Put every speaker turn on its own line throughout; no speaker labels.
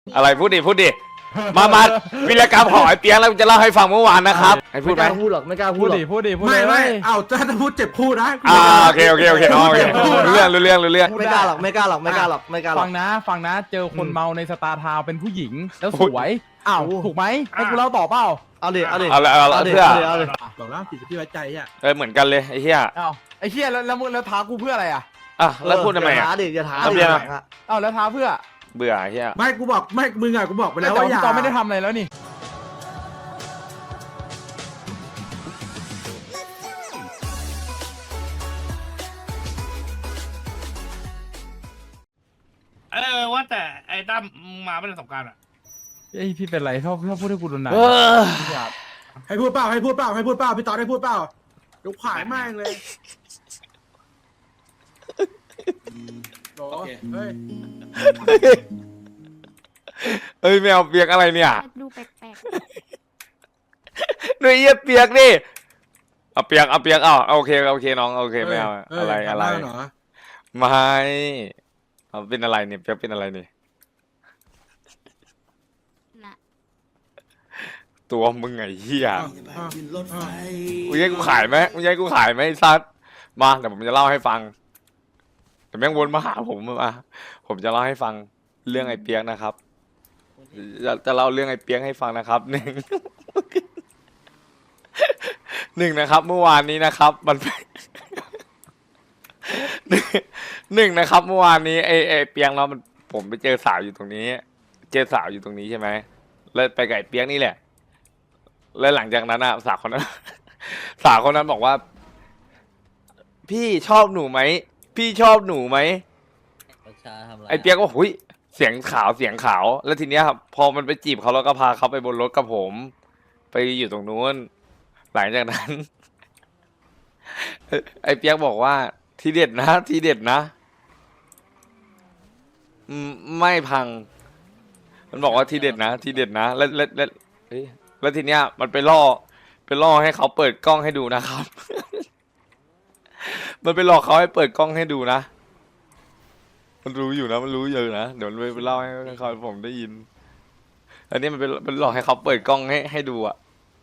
อะไรพูดดิมาวีรกรรมของไอ้เปียกแล้วจะเล่าให้ฟังเมื่อวานนะครับให้พูดไหม
ไม่กล้าพูดหรอกไม่กล้าพู
พู
ด
ด
หรอก
ดิพูดดิพูด
ไม่
เลย
ไม่เอาถ้าพูดเจ็บคู่นะ
โอเคน้องโอเครู้เรื่อง
ไม่กล้าหรอกไม่กล้าหรอกไม่กล้าหรอกไม่กล้าหร
ฟั
อก
งนะเจอคนเมาในสตาร์ทาวน์เป็นผู้หญิงแล้วสวย
อ้าว
ถูกไหมให้กูเล่าต่อเปล่า
เอาดิเอาดิ
เอาละ
ดิ
เพื่อ
เอาดิ
บอกแล้วผิดที่ไว้ใจอ่ะ
เหมือนกันเลยไอ้เหี้ย
อ้าวไอ้เหี้ยแล้วมึงแล้วท้ากูเพื่ออะไรอ่ะ
อ่ะแล้วพูดทำไม
อย่า
อ่ะ
ท้าดิอย่าท้า
เอา
ดิ
เบียร์
อ้าวแล้วท้าเพื่อ
เบื่อไอ้เหี้ย
ไม่กูบอกไม่มึงอ่ะกูบอกไป
แล้
แล้ว ว
แต่
ว่า
ว่า
อย่า
พี่ตอนไม่ได้ทำอะไรแล้วนี่
ว่าแต่ไอ้ตั้มมาเป็นสงการอ่ะ
เอ้ยพี่เป็นไรชอบพูดให้กูโดนหนัก พี่อาบ
ให้พูดเปล่าพี่ตอนให้พูดเปล่าเดี๋ยวขายแม่งเลยโอ้เฮ้ย
เอ้ยแมวเปียกอะไรเนี่ย
ดูแปลก
หนุ่ยเยี่ยเปียกดิเอาเปียกโอเคน้องโอเคไม่เอาอะไร
เหรอ
ไม่เอาเป็นอะไรเนี่ยเปียกเป็นอะไรเนี่ย
ๆนะ
ตัวมึงไงเหี้ย
รถไฟ
มึงให้กูขายไหมไอ้ซัดมาเดี๋ยวผมจะเล่าให้ฟังแต่แม่งวนมาหาผมมาผมจะเล่าให้ฟังเรื่องไอ้เปียกนะครับจะเล่าเรื่องไอ้เปียกให้ฟังนะครับ หนึ่งนะครับ เมื่อวานนี้นะครับมัน หนึ่งนะครับ เมื่อวานนี้ไอ้เปียกเรามันผมไปเจอสาวอยู่ตรงนี้ใช่ไหมแล้วไปกับไอ้เปียกนี่แหละ แล้วหลังจากนั้นสาวคนนั้น บอกว่า พี่ชอบหนูไหมไอ้เปียกก็หุยเสียงขาวแล้วทีเนี้ยครับพอมันไปจีบเขาแล้วก็พาเขาไปบนรถกับผม ไปอยู่ตรงนู้น หลังจากนั้น ไอ้เปียกบอกว่าทีเด็ดนะไม่พัง มันบอกว่าทีเด็ดนะแล้วเฮ้ยแล้วทีเนี้ยมันไปล่อให้เขาเปิดกล้องให้ดูนะครับ มันไปหลอกเขาให้เปิดกล้องให้ดูนะ มันรู้อยู่นะเดี๋ยวมันไปเล่าให้เขาผมได้ยิน อันนี้มันหลอกให้เขาเปิดกล้องให้ดูอ่ะ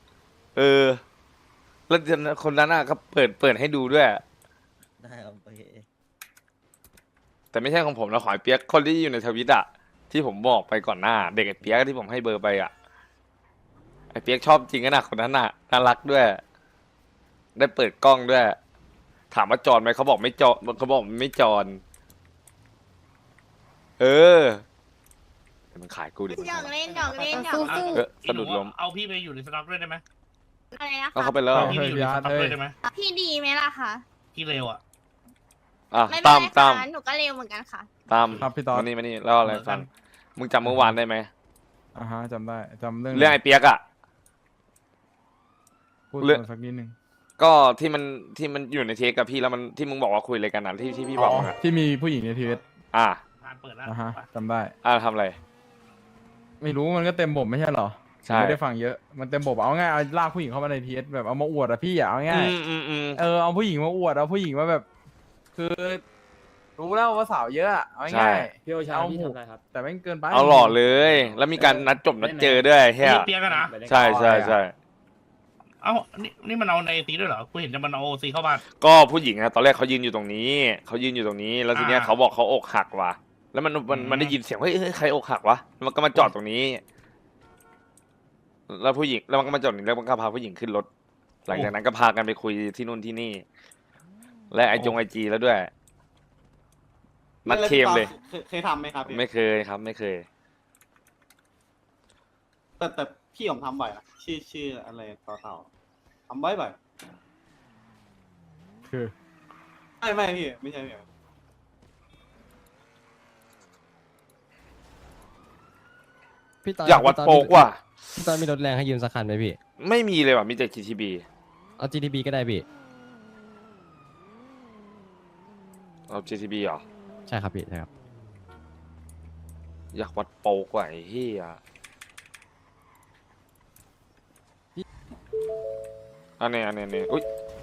แล้วคนนั้นก็เปิดให้ดูด้วย
ได้ครับโอเค
แต่ไม่ใช่ของผมนะขอไอ้เปียกคนที่อยู่ในทวิตอ่ะที่ผมบอกไปก่อนหน้า เด็กไอ้เปียกที่ผมให้เบอร์ไปอ่ะไอ้เปียกชอบจริงนะคนนั้นน่ะน่ารักด้วย ได้เปิดกล้องด้วย ถามว่าจอนไหมเขาบอกไม่จอนไม่จอนมันขายกูดิ
หยอกเล่นหยอกเล่นหยอก
สะดุดล้ม
เอาพี่ไปอยู่ในสต็อกด้วยได้ไหม
อะไรนะ
ก็
คะ
เข้าไปแล้ว
เอาพี่ไปอยู่ในสต็อกด้วยได้ไหม
พี่ดีไหมล่ะคะ
พี่เร็วอ่ะ
ไม่เป็น
ตาม
ไร
ตาม
ค่ะหนูก็เร็วเหมือนกันค่ะ
ครับพี่ตอน
มานี่เล่าอะไรฟังมึงจำเมื่อวานได้ไหม
อ่าฮะจำได้จำเรื่อง
เรื่องไอ้เปียกอ่ะ
พูด
เรื่อง
สักนิดนึง
ก็ที่มันอยู่ในเทปกับพี่แล้วมันที่มึงบอกว่าคุยอะไรกันนะที่พี่บอกอะ
ที่มีผู้หญิงในทีวี
อ่า
ผ่านเปิดแล้ว
อ่าฮะจำได้
ทำอะไร
ไม่รู้มันก็เต็มบบไม่ใช่เหรอ
ใช่
ไม่ได้ฟังเยอะมันเต็มบบเอาง่ายเอาลากผู้หญิงเข้ามาในทีเอสแบบเอามาอวดอะพี่อะเอาง่าย เอาผู้หญิงมาอวดเอาผู้หญิงมาแบบ คือรู้แล้วว่าสาวเยอะอะเอาง่ายๆ
พี่โอชา
เอา
พี่ทำอะไรครับ
แต่ไม่งเกินไป
เอาหล่อเลย แล้วมีการนัดจบนัดเจอด้วยเฮีย
พี่เปียกกันนะ
ใช่
เอ้านี่มันเอาในซีด้วยเหรอกูเห็นจะมันเอาโอซีเข้าบ้าน
ก็ผู้หญิงอะตอนแรกเขายืนอยู่ตรงนี้ แล้วทีเนี้ยเขาบอกเขาอกหักว่ะแล้วมันได้ยินเสียงเฮ้ยใครอกหักวะมันก็มาจอดตรงนี้ แล้วผู้หญิงแล้วมันก็มาจอดนี่แล้วมันก็พาผู้หญิงขึ้นรถ หลังจากนั้นก็พากันไปคุยที่นู่นที่นี่ และไอจีแล้วด้วยนัดเคมเลย
เคยทำไหมครับพี่
ไม่เคยครับไม่เคย
แต่พี่ผมทำบ่อยนะชื่ออะไรต่อเต่าทำบ่อย
คือ
ไม่พี่ไม่ใช่พี่
พี่ตอน
อยากวัดโป๊กว่ะ
พี่ตอนมีรถแรงให้ยืมสักคันไหมพี่
ไม่มีเลยว่ะมีแต่ GTB
เอา GTB ก็ได้พี่
เอา GTB เหรอ
ใช่ครับพี่ใช่ครับ
อยากวัดโป๊กว่ะไอ้เหี้ยอันนี้อุ้ย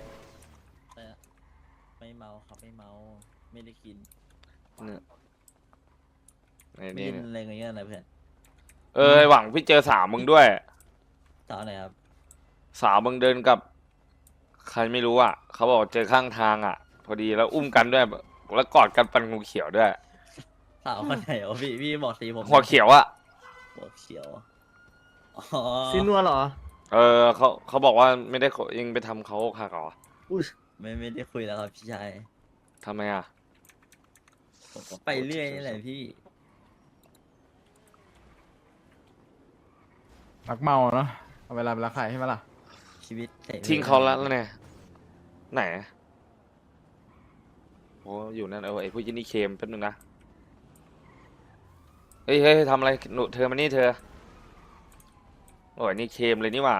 ไม่เมาครับไม่เมาไม่ได้กิน
เนี่ย
ไม่
นี่
กินอะไรเงี้ยนะเพื่อน
หวังพี่เจอสาวมึงด้วย
สาวไหนครับ
สาวมึงเดินกับ ใครไม่รู้อ่ะเขาบอกเจอข้างทางอ่ะ พอดีแล้วอุ้มกันด้วยแล้วกอดกันปันงูเขียวด้วย
สาวคนไหนวะพี่บอกสีผม
หัวเขียวอ่ะ
หัวเขียวอ๋อ
ซีนัวเหรอ
เขาบอกว่าไม่ได้เองไปทำเขาค่ะเหรอ
ไม่ได้คุยแล้วครับพี่ชาย
ทำไมอ่ะ
ผมก็ไปเรื่อยนี่แหละพี่
รักเมาเนาะเอาเวลาไปรักใครใช่ไหมล่ะ
ชีวิตเสรี
ทิ้งเขาแล้วเนี่ยไหนโอ้อยู่นั่นไอ้ผู้ยินนี่เคมแป๊บนึงนะเฮ้ยทำอะไรหนูเธอมานี่เธอโอ้ยนี่เคมเลยนี่หว่า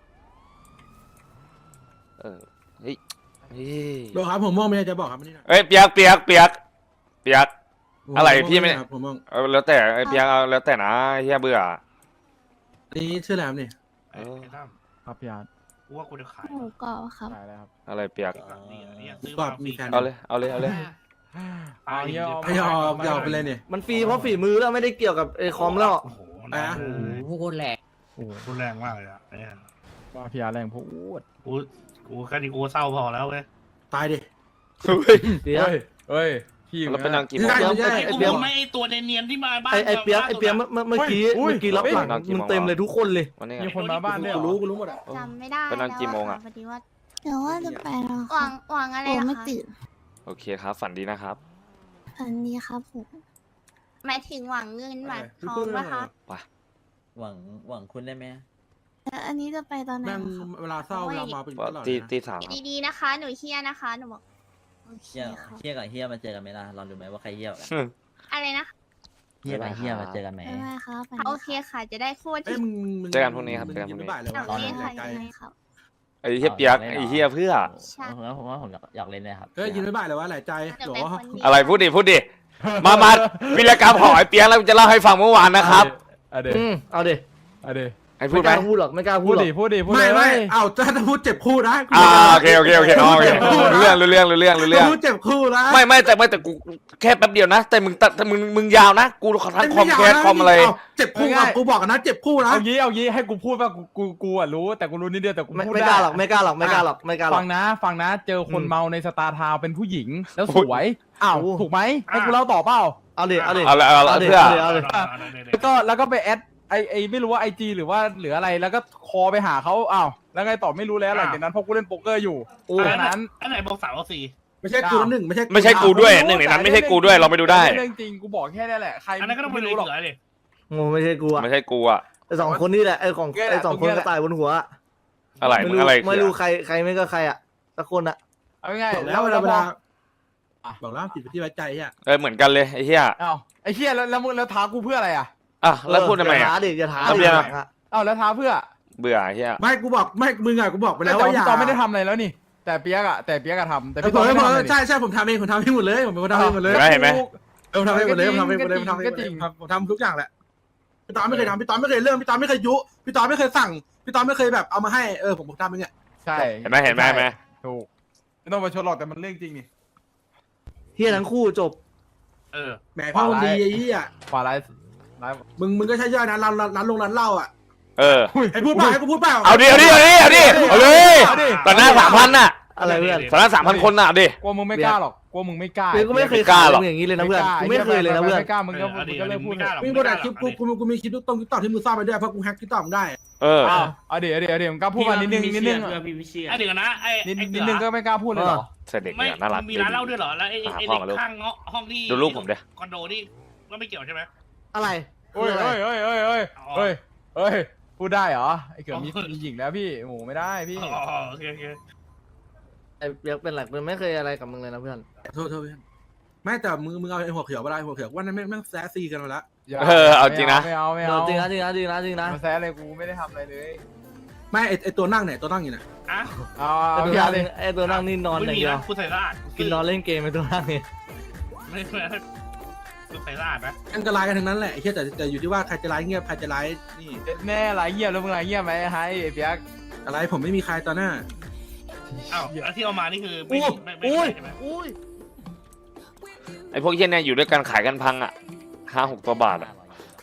เฮ้ย
โดครับผมมองไม่ได้จะบอกครับนี่นะ
เอ้ยเปียก อะไรพี่ไม่
ผมมอง
แล้วแต่ไอ้เปียกเอาแล้วแต่นะเฮียเบื่อ
นี่ชื่ออะไรครับนี่
ไอ้ตั้ม
ครับพี่อาร์ต
กูว่ากูจะขาย
หมูกรอบครับ
ได้แล้วครับ
อะไรเปียก
นี่ซื้อ
ก็
มา
มีแฟน
เอาเลย
เอาเงี้ย
ให้ยอมไปเลยเนี่ย
มันฟรีเพราะฝีมือแล้วไม่ได้เกี่ยวกับไอ้คอมแล้ว
โอ้โห
อ่ะ
พูดแรงพูดแรงมากเลยอ่ะ
ว่าพี่อาร์ตแรงพูด
กูแค่นี้กูเศร้าพอแล้วเว้ย
ตายดิ
เปียก
เฮ้ยพี่
แล้วเป็นนางกี่โมง
ไม่ใช่
ไอ้
เปี๊ยก
ไม่ไอ้ตัวเนียนๆที่มาบ้าน
ไอ้เปียกเมื่อกี้รับหลังมึงเต็มเลยทุกคนเลย
วันนี้
มีคนมาบ้านด้วยเหร
กู
อ
รู้หมดอ่ะ
จำไม่ได้
เป็นนานกี่โมงอะ
พอดีว่า
เดี๋ยวว่าจะไปแล้ว
หวังอะไร
ผม
นะ
ไม่
คะ
ตื่น
โอเคครับ ฝันดีนะครับ
อันนี้ครับผม
หมายถึงหวังเงินหวังทองปะคะ
หวังคุณได้ไหม
แล้วอันนี้จะไปตอนไหน
แม่ง
ครับ
เวลาเศร้าเวลาเมาเป็นตลอด
ตีสามครับ
ดีๆนะคะ หนูเฮียนะคะ หนูบอก
โอเค
เฮีย
ครับ
เฮียกับเฮียมาเจอกันไหมล่ะลองดูไหมว่าใครเฮียกว่ากัน
อะไรนะ
เฮียกับเฮียมาเจอกันไหม
บ๊ายบายครับไป
โอเคค่ะ จะได้คู่
เอ้ย
ที่
มึง
เจอกันพรุ่งนี้ครับเจอกันพรุ่งนี้
บ่ายเลย
หนั
วะ
งเรียนค่ะ
ไกล
ยังไงครับ
ไอ้เฮียเปียกไอ้เฮียเพื่อ
ผมว่าผมอยากเล่นเลยครับ
เฮ้ยยินไม่บ่ายเลยวะหลายใจ
เดี๋ยว
หร
เป็น
อ
คนดี
อะไรพูดดิมาวิรกรรมของไอ้เปียกแล้วจะเล่าให้ฟังเมื่อวานนะครับ
เอาเดี๋ยว
เอาดิ
เอาเดี๋ยว
ให้พู
ไม่
ดไห
ก
ม
ล้าพูดหรอกไม่กล้าพู
พู
ด
ด
หรอก
ดิพูดดิพูด
ไม่
เลย
เอ้าถ้าพูดเจ็บคู่นะ
โอเคโอเคน้องโอเครู้เรื่อง
พูดเจ็บคู่นะ
ไม่แต่กูแค่แป๊บเดียวนะ แต่มึงยาวนะ กูทั้งคอมแคสคอมอะไร
เจ็บคู่กูบอกกันนะเจ็บคู่นะ
เอางี้ให้กูพูดว่ากูอ่ะรู้แต่กูรู้นิดเดียวแต่กูพูด
ไม่
ได้
กล้าหรอกไม่กล้าหรอกไม่กล้าหรอกไม่กล้าหร
ฟั
อก
งนะเจอคนเมาในสตาร์ทาวน์เป็นผู้หญิงแล้วสวย
อ้าว
ถูกไหมให้กูเล่าต่อเปล่า
เอาดิเอาดิ
เอาละเพื่อ
แล้วก็ไปแอดไอไม่รู้ว่าIG หรือว่าหรืออะไรแล้วก็คอไปหาเขาอ้าวแล้วไงต่อไม่รู้แล้วหลังจากนั้นพวกกูเล่นโป๊กเกอร์อยู่
โอ้
ดังนั้น
อันไหนบอก3 เอา 4
ไม่ใช่กูหนึ่งไม่ใช่
ไม่ใช่กูด้วยหนึ่งในนั้นไม่ใช่กูด้วยเราไปดูได้
เรื่องจริงกูบอกแค่นี้แหละใคร
อันนั้นก็ต้องไป
ไม่
รู้
รู้
ห
ห
ร
ร
อ
อก
กดิ
โง่ไม่ใช่กูอะ
ไม่ใช่กูอ่ะ
ไอ้สองคนนี่แหละไอ้ของไอ้สองคนกระต่ายบนหัว
อะไร
ไม่
มึง
รู้
อะไร
ไม่รู้ใครไม่ก็ใครอะสักคนอะ
เอาง่าย
บอก
ๆ
แล้วเวลา
อ่ะ
บอกแล้วจิตที่ไว้ใจอ่ะ
เหมือนกันเลยไอ้เหี้ย
อ้าวไอ้เหี้ยแล้วมึงแล้วท้ากูเพื่ออะไรอ่ะ
อ่ะแล้วพูดทำไม
อย่า
อ่ะ
ท้าดิอย่าท้า
ทำไม
ดิ
อะ
อะ
อ้าวแล้วท้าเพื่อ
เบื่อไอ้เหี้ย
ไม่กูบอกไม่มึงอ่ะกูบอกไป
แต่
แล้วว่าอย่า
พี่ตอนไม่ได้ทำอะไรแล้วนี่ แต่เปียกอะทำแต่
แต่
พี่
ผ
ตอ
ม
นไม่ได้ทำอะไร
ใช่ผมทำเองผมทำให้หมดเลยผมเป็นคนทำให้หมดเลย
เห็นไหม
ผมทำให้หมดเลยผมทำให้หมดเลยผมทำให้หมด
ก็
เล
จริ
ย
ง
ผมทำทุกอย่างแหละพี่ตอนไม่เคยทำพี่ตอนไม่เคยเริ่มพี่ตอนไม่เคยยุพี่ตอนไม่เคยสั่งพี่ตอนไม่เคยแบบเอามาให้ผมทำเองเนี่ย
ใช่
เห็นไหม
ถูกไม่ต้องมาชนหรอกแต่มันเรื่องจริงนี่
เฮียทั้งคู่จบ
แหมพ่อคนดีไอ้ยี่อ่ะ
ขวาไลฟ์
มึงก็ใช่ย่อยนะร้านลงร้านเหล้าอ่ะ
ให้
ให้พูดเปล่าให้กูพูดเปล่า
เอาดิเอาเลยตอนหน้า3,000น่ะ
อะไรเพื่อน
ตอนหน้า3,000 คนน่ะเอาดิ
กลัวมึงไม่กล้าหรอกกลัวมึงไม่กล้า
เปียกก็ไม่เคย
กล้าหรอก
มึงอย่างนี้เลยนะเพื่อนกูไม่เคยเลยนะเพื่อน
ไม่กล้ามึงก็เลิกพูดเลย
มีบทอัดคลิปกูมีคลิปตรงต่อที่มึงซ่อนไปด้วยเพราะกูแฮกที่ต่อมึงได้
เอาเดี๋ยวมึงกล้าพูดมานิดนึง
เดี๋ยวนะ
นิดนึงก็ไม่กล้าพูดเลยหรอ
เสด็จ
ไม่
เนี่ยน่ารัก
มีร้านเหล้าด้วยเหรอแล้วไอ้เด็กข้างห้องที่
ดูรูปผมดิ
คอนโดนี่ก็ไม่เกี่ยวใช่ไหม
อะไร
เฮ้ยพูดได้เหรอไอ้เกิดมีหญิงแล้วพี่โอ้ไม่ได้พี่
อ๋อโอเค
ไอ้เปียกเป็นหลักมันไม่เคยอะไรกับมึงเลยนะเพื่อน
โทษเพื่อนไม่แต่มึงเอาไอ้หัวเขียวมาได้หัวเขียวว่านั้นแม่งแซซีกันมาแล้ว
เอาจริงนะ
ไม่เอา
จริงนะ
มาแซะอะไรกูไม่ได้ทำอะไรเลย
ไม่ไอ้ตัวนั่งเนี่ยตัวนั่งอยู่เนี่ย
อ่ะ
เอาพี่อาร์เลย
ไอ้ตัวนั่งนี่นอนอ
ไม่
ย่าง
มี
เดียว
นะกูใส่สะอาด
กินนอนเล่นเกมไอ้ตัวนั่งนี่
ไม่กูใส่สะอาดนะ
อันตรายกันทั้งนั้นแหละไอ้เหี้ยแต่อยู่ที่ว่าใครจะร้ายเงียบใครจะร้ายนี่
แน่ไรเงียบแล้วมึงไรเงียบไหมไอ้เปียก
อะไรผมไม่มีใครตอนหน้า
อ้าวแล้วที่เอามานี่คือไม่ใช่ไหม
อุ้ย
ไอ้พวกเหี้ยเนี่ยอยู่ด้วยกันขายกันพังอ่ะ5-6 ตัวบาทอ่ะ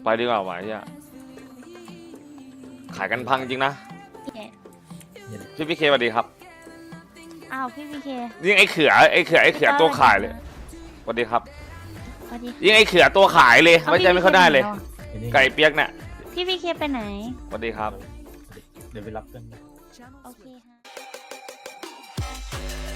ไปดีกว่าไหวะเนี่ยขายกันพังจริงนะ พี่เคสวัสดีครับ
อ้าวพี่พีเค
ยิ่งไอ้เขือตัวขายเลยสวัสดีครับ
สวัสดี
ยิ่งไอ้เขือตัวขายเลยไว้ใจไม่ค่อยได้เลย
พี่
ไก่เปียกเนี่ย
พีเคไปไหน
สวัสดีครับ
เดี๋ยวไปรับกัน
โอเคค่ะ